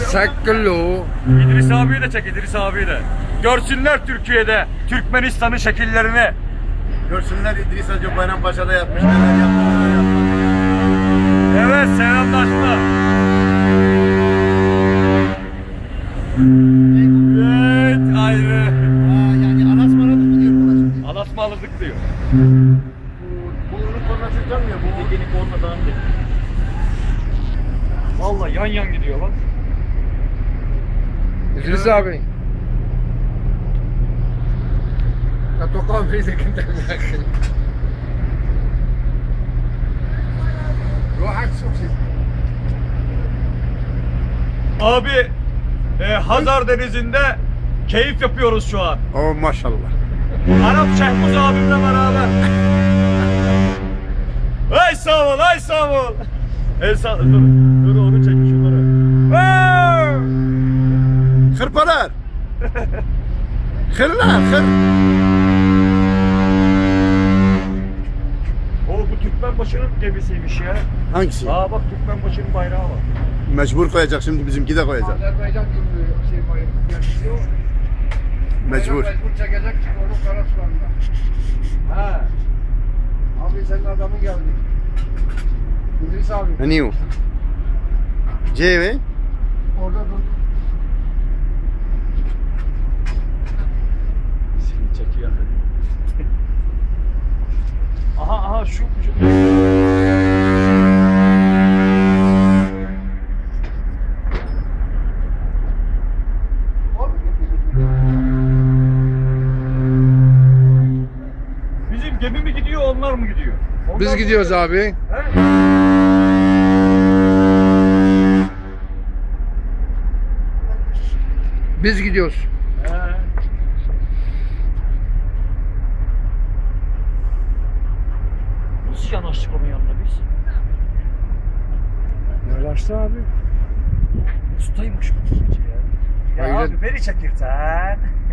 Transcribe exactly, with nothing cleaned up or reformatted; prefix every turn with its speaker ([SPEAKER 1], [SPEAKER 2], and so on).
[SPEAKER 1] Saklı.
[SPEAKER 2] İdris abiyi de çek, İdris abiyi de. Görsünler Türkiye'de Türkmenistan'ın şekillerini.
[SPEAKER 3] Görsünler İdris Hacı Bayrampaşa'da yapmış, neler yapmış, neler yapmış.
[SPEAKER 2] Evet, selamlaşma. Evet, ayrı.
[SPEAKER 3] Aa, yani alasmaradık mı diyor buna şimdi?
[SPEAKER 2] Alasmalıdık diyor.
[SPEAKER 3] Bu ürün kornası çalmıyor. Bu
[SPEAKER 2] Yeni kornadan değil. Vallahi yan yan gidiyor bak.
[SPEAKER 1] İdris abi. Ya tokam bir de kimden yakın. Rahat soksun.
[SPEAKER 2] Abi, e, Hazar Denizi'nde keyif yapıyoruz şu an.
[SPEAKER 1] Oh maşallah.
[SPEAKER 2] Arap Şehmuz abimle beraber. Ay sağ ol, ay sağ ol. El sağ, dur, dur onu çek şunları. Aa!
[SPEAKER 3] hırpalar. Hırlar, hır.
[SPEAKER 2] O bu Türkmenbaşı'nın gemisiymiş ya.
[SPEAKER 3] Hangisi?
[SPEAKER 2] Aa bak Türkmenbaşı'nın bayrağı var.
[SPEAKER 3] Mecbur koyacak şimdi, bizimki de koyacak.
[SPEAKER 1] Azerbaycan gibi bir şey var. Yani yok.
[SPEAKER 3] Mecbur.
[SPEAKER 1] Mecbur çekecek çünkü onun Karasulan'da. Ha. Abi senin adamın geldi. İdris abi.
[SPEAKER 3] Hani o? C mi?
[SPEAKER 1] Orada dur.
[SPEAKER 2] Seni çekiyor. aha aha şu, şu. Bizim gemi mi gidiyor, onlar mı gidiyor? Onlar
[SPEAKER 1] Biz
[SPEAKER 2] mı
[SPEAKER 1] gidiyoruz
[SPEAKER 2] gidiyor?
[SPEAKER 1] abi.
[SPEAKER 2] He?
[SPEAKER 1] Biz gidiyoruz.
[SPEAKER 2] He. Nasıl yanaştık onun yanına biz?
[SPEAKER 1] Yanaştı abi.
[SPEAKER 2] Ustaymış bu gece ya. Ya
[SPEAKER 1] Hayret.
[SPEAKER 2] abi beni çekirsen.